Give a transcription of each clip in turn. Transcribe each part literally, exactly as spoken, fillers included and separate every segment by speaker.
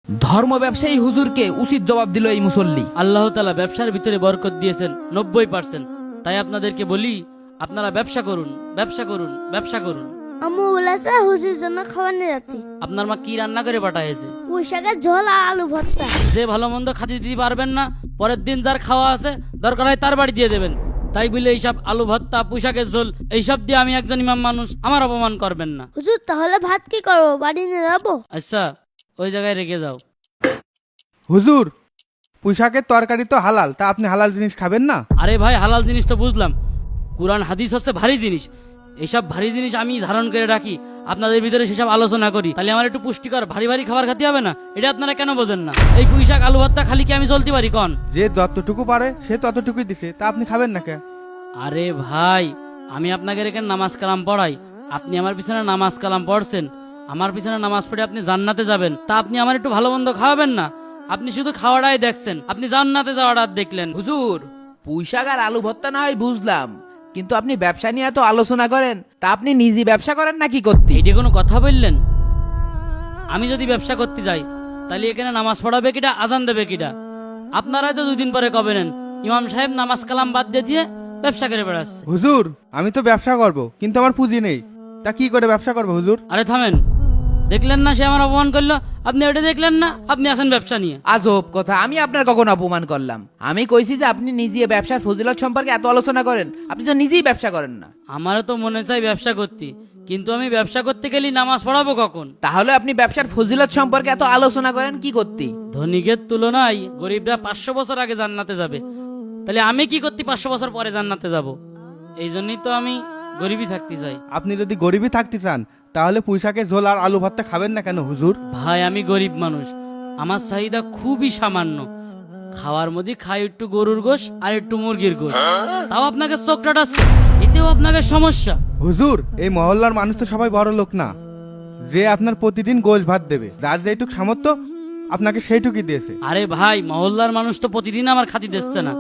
Speaker 1: ধর্ম ব্যবসায়ী হুজুরকে উচিত জবাব দিল এই মুসল্লি।
Speaker 2: আল্লাহ তাআলা ব্যবসার ভিতরে বরকত দিয়েছেন নব্বই পার্সেন্ট। তাই আপনাদেরকে বলি, আপনারা ব্যবসা করুন, ব্যবসা করুন, ব্যবসা করুন।
Speaker 3: আম্মু বলেছে হুজুর জন্য খাবার নিয়ে যাচ্ছি।
Speaker 2: আপনার মা কি রান্না করে পাঠাইছে?
Speaker 3: পুঁই শাকের ঝোল আর আলু ভর্তা।
Speaker 2: যে ভালো মন্দ খাতে দিতে পারবেন না, পরের দিন যার খাওয়া আছে দরকার হয় তার বাড়ি দিয়ে দেবেন। তাই বলে এইসব আলু ভর্তা, পোশাকের ঝোল এইসব দিয়ে আমি একজন ইমাম মানুষ, আমার অপমান করবেন না।
Speaker 3: হুজুর তাহলে ভাত কি করবো, বাড়ি নিয়ে যাবো?
Speaker 2: আচ্ছা, ওই জায়গায় রেখে যাও।
Speaker 4: হুজুর, পুঁইশাকের তরকারি তো হালাল, তা আপনি হালাল জিনিস খাবেন না?
Speaker 2: আরে ভাই, হালাল জিনিস তো বুঝলাম, কোরআন হাদিস হচ্ছে ভারী জিনিস। এইসব ভারী জিনিস আমি ধারণ করে রাখি, আপনাদের ভিতরে সেসব আলোচনা করি, তাহলে আমার একটু পুষ্টিকর ভারী ভারী খাবার খেতে হবে না? এটা আপনারা কেন বোঝেন না? এই পুঁইশাক আলু ভর্তা খালি কি আমি চলতে পারি কন?
Speaker 4: যে যতটুকু পারে সে ততটুকুই দিছে, তা আপনি খাবেন না কে?
Speaker 2: আরে ভাই, আমি আপনাকে রেখে নামাজ কালাম পড়াই, আপনি আমার পিছনে নামাজ কালাম পড়ছেন, আমার পিছনে নামাজ পড়ে আপনি জান্নাতে যাবেন, তা আপনি আমার একটু ভালো মন্দ খাওয়াবেন না? আপনি শুধু খাওয়াটাই দেখছেন, আপনি জান্নাতে যাওয়াটা দেখলেন।
Speaker 1: হুজুর, পুঁইশাক আর আলু ভর্তা না হয় বুঝলাম, কিন্তু আপনি ব্যবসা নিয়ে এত আলোচনা করেন, তা আপনি নিজে ব্যবসা করেন নাকি করতে?
Speaker 2: এইটা কোনো কথা বললেন? আমি যদি ব্যবসা করতে যাই, তাহলে এখানে নামাজ পড়াবে কিটা, আজান দেবে কিটা? আপনারাই তো দুদিন পরে কবেন ইমাম সাহেব নামাজ কালাম বাদ দিয়ে দিয়ে ব্যবসা করে বেড়াচ্ছে।
Speaker 4: হুজুর, আমি তো ব্যবসা করব, কিন্তু আমার পুঁজি নেই, তা কি করে ব্যবসা করবো হুজুর?
Speaker 2: আরে থামেন, দেখলেন না সে আমার অপমান করলো? আপনি ওটা দেখলেন না? আপনি আছেন ব্যবসা নিয়ে।
Speaker 1: আজব কথা, আমি আপনার কখন অপমান করলাম? আমি কইছি যে আপনি নিজে ব্যবসার ফজিলত সম্পর্কে এত আলোচনা করেন, আপনি তো নিজেই ব্যবসা করেন না।
Speaker 2: আমারও তো মনে চাই ব্যবসা করতে, কিন্তু আমি ব্যবসা করতে গেলে নামাজ পড়াবো কখন?
Speaker 1: তাহলে আপনি ব্যবসার ফজিলত সম্পর্কে এত আলোচনা করেন কি করতে?
Speaker 2: ধনীকের তুলনায় গরিবরা পাঁচশো বছর আগে জান্নাতে যাবে, তাহলে আমি কি করতে পাঁচশো বছর পরে জান্নাতে যাব? এই জন্যই তো আমি গরিবই থাকতে চাই।
Speaker 4: আপনি যদি গরিবই থাকতে চান, তাহলে পুঁইশাকের ঝোল আর আলু ভর্তা খাবেন না কেন হুজুর?
Speaker 2: ভাই, আমি গরিব মানুষ, আমার চাহিদা খুবই সামান্য। খাওয়ার মধ্যে খাই একটু গরুর গোশ আর একটু মুরগির গোশ, তাও আপনাকে চোখ টাটাচ্ছে, এতেও আপনাকে সমস্যা।
Speaker 4: হুজুর, এই মহল্লার মানুষ তো সবাই বড় লোক না যে আপনার প্রতিদিন গোশ ভাত দেবে। যার যেটুক সামর্থ্য আপনাকে সেইটুকুই দিয়েছে।
Speaker 2: আরে ভাই, মহল্লার মানুষ তো প্রতিদিন আমার খাতি দিচ্ছে না,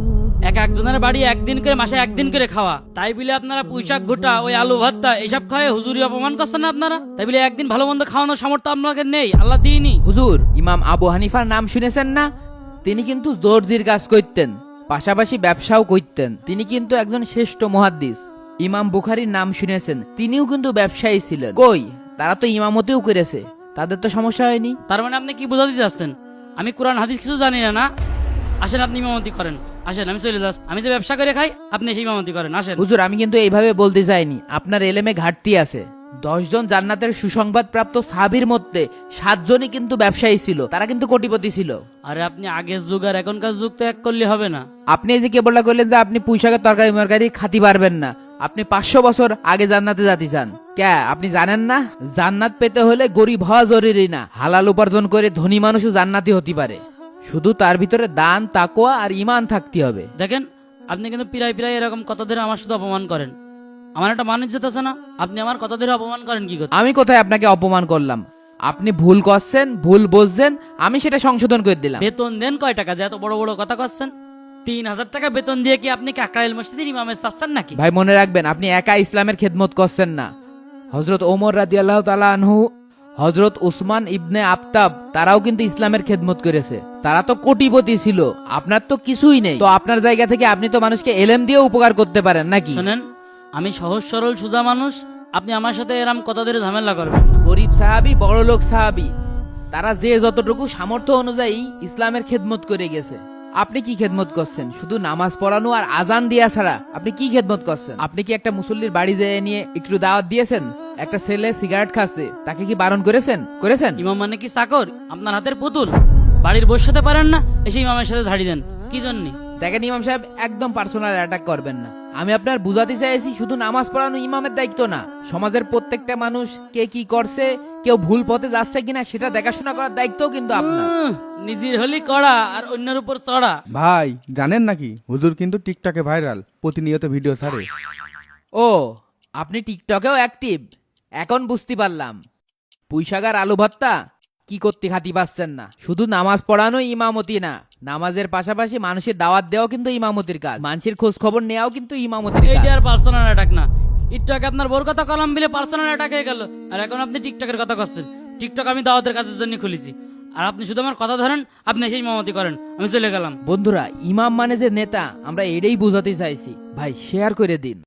Speaker 2: এক একজনের বাড়ি একদিন করে, মাসে একদিন করে খাওয়া। তাই বলে আপনারা পুঁইশাক ঘোটা, ওই আলু ভর্তা এইসব খাওয়ায় হুজুরি অপমান করছেন না আপনারা? তাই বলে একদিন ভালো মন্দ খাওয়ানোর সামর্থ্য আপনাদের নেই? আল্লাহ দিইনি।
Speaker 1: হুজুর, ইমাম আবু হানিফার নাম শুনেছেন না? তিনি কিন্তু দর্জির কাজ করতেন, পাশাপাশি ব্যবসাও করতেন। তিনি কিন্তু একজন শ্রেষ্ঠ মুহাদ্দিস। ইমাম বুখারীর নাম শুনেছেন, তিনিও কিন্তু ব্যবসায়ী ছিলেন। কই, তারা তো ইমামতিও করেছে, তাদের তো সমস্যা হয়নি।
Speaker 2: তার মানে আপনি কি বোঝাতে চাচ্ছেন আমি কোরআন হাদিস কিছু জানি না? না, আসেন আপনি ইমামতি করেন, আসেন আমি চলে যাচ্ছি। আমি যে ব্যবসা করে খাই, আপনি সেই ইমামতি করেন, আসেন।
Speaker 1: হুজুর, আমি কিন্তু এইভাবে বলতে চাইনি, আপনার এলেমে ঘাটতি আছে। দশ জন জান্নাতের সুসংবাদ প্রাপ্ত সাহাবীর মধ্যে সাতজনই কিন্তু ব্যবসায়ী ছিল, তারা কিন্তু কোটিপতি ছিল।
Speaker 2: আরে আপনি আগের যুগ আর এখনকার যুগ তো এক করলে হবে না।
Speaker 1: আপনি এই যে কেবলটা কইলেন যে আপনি পুঁইশাকের তরকারি মরকারি খাতি পারবেন না, আপনি পাঁচশো বছর আগে জান্নাতে যেতে চান। কে আপনি জানেন না, জান্নাত পেতে হলে গরিব হওয়া জরুরি না, হালাল উপার্জন করে ধনী মানুষও জান্নাতি হতে পারে। শুধু তার ভিতরে দান, তাকওয়া আর ঈমান থাকতে হবে।
Speaker 2: দেখেন, আপনি কিন্তু পিরাই পিরাই এরকম কথা ধরে আমার শুধু অপমান করেন। আমার একটা মানুষ যেতেছে না, আপনি আমার কথা ধরে অপমান করেন কি করতে?
Speaker 1: আমি কোথায় আপনাকে অপমান করলাম? আপনি ভুল করছেন, ভুল বুঝছেন, আমি সেটা সংশোধন করে দিলাম।
Speaker 2: বেতন দেন কয় টাকা যে এত বড় বড় কথা করছেন? তিন হাজার টাকা বেতন দিয়ে কি আপনি কাকরাইল মসজিদের ইমামের চাচ্ছেন নাকি?
Speaker 1: ভাই, মনে রাখবেন, আপনি একা ইসলামের খেদমত করছেন না। হযরত ওমর রাদিয়াল্লাহু তাআলা আনহু, হযরত উসমান ইবনে আফতাব, তারাও কিন্তু ইসলামের খেদমত করেছে। তারা তো কোটিপতি ছিল, আপনার তো কিছুই নেই। তো আপনার জায়গা থেকে আপনি তো মানুষকে এলেম দিয়ে উপকার করতে পারেন নাকি?
Speaker 2: শোনেন, আমি সহজ সরল সোজা মানুষ, আপনি আমার সাথে এরকম কথা ধরে ঝামেলা করবেন না।
Speaker 1: গরিব সাহাবী, বড় লোক সাহাবী, তারা যে যতটুকু সামর্থ্য অনুযায়ী ইসলামের খেদমত করে গেছে। আপনি কি খেদমত করছেন? শুধু নামাজ পড়ানো আর আজান দিয়া ছাড়া আপনি কি খেদমত করছেন? আপনি কি একটা মুসল্লির বাড়ি যেয়ে নিয়ে একটু দাওয়াত দিয়েছেন? একটা ছেলে সিগারেট খাচ্ছে, তাকে কি বারণ করেছেন? করেছেন?
Speaker 2: ইমাম মানে কি চাকর? আপনার হাতের পুতুল? বাড়ির বসাতে পারেন না, এসে ইমামের সাথে ঝাড়ি দেন কি জন্যে?
Speaker 1: দেখেন ইমাম সাহেব, একদম পার্সোনাল অ্যাটাক করবেন না। আমি আপনার বুঝাতে চাইছি, শুধু নামাজ পড়ানো ইমামের দায়িত্ব না, সমাজের প্রত্যেকটা মানুষ কে কি করছে, কেউ ভুল পথে যাচ্ছে কিনা সেটা দেখাশোনা করার দায়িত্বও কিন্তু আপনার।
Speaker 2: উহ, নিজের হলি কড়া আর অন্যের উপর চড়া।
Speaker 4: ভাই, জানেন নাকি হুজুর কিন্তু টিকটকে ভাইরাল, প্রতিনিয়ত ভিডিও ছাড়ে।
Speaker 1: ও, আপনি টিকটকেও অ্যাক্টিভ? এখন বুঝতে পারলাম। পুঁইশাক আর আলু ভর্তা কি করতে খাতি পাচ্ছেন না। শুধু নামাজ পড়ানো ইমামতি না, নামাজের পাশাপাশি মানুষের দাওয়াত দেওয়াও কিন্তু ইমামতির কাজ, মানুষের খোঁজ খবর নেওয়াও কিন্তু ইমামতির কাজ।
Speaker 2: এইটা আর পার্সোনাল অ্যাটাক না। একটু আগে আপনার বোর কথা কলাম বিলে পার্সোনাল অ্যাটাক হয়ে গেল, আর এখন আপনি টিকটকের কথা করছেন। টিকটক আমি দাওয়াতের কাজের জন্য খুলেছি, আর আপনি শুধু আমার কথা ধরেন, আপনি সেই ইমামতি করেন, আমি চলে গেলাম।
Speaker 1: বন্ধুরা, ইমাম মানে যে নেতা, আমরা এটাই বোঝাতে চাইছি। ভাই শেয়ার করে দিন।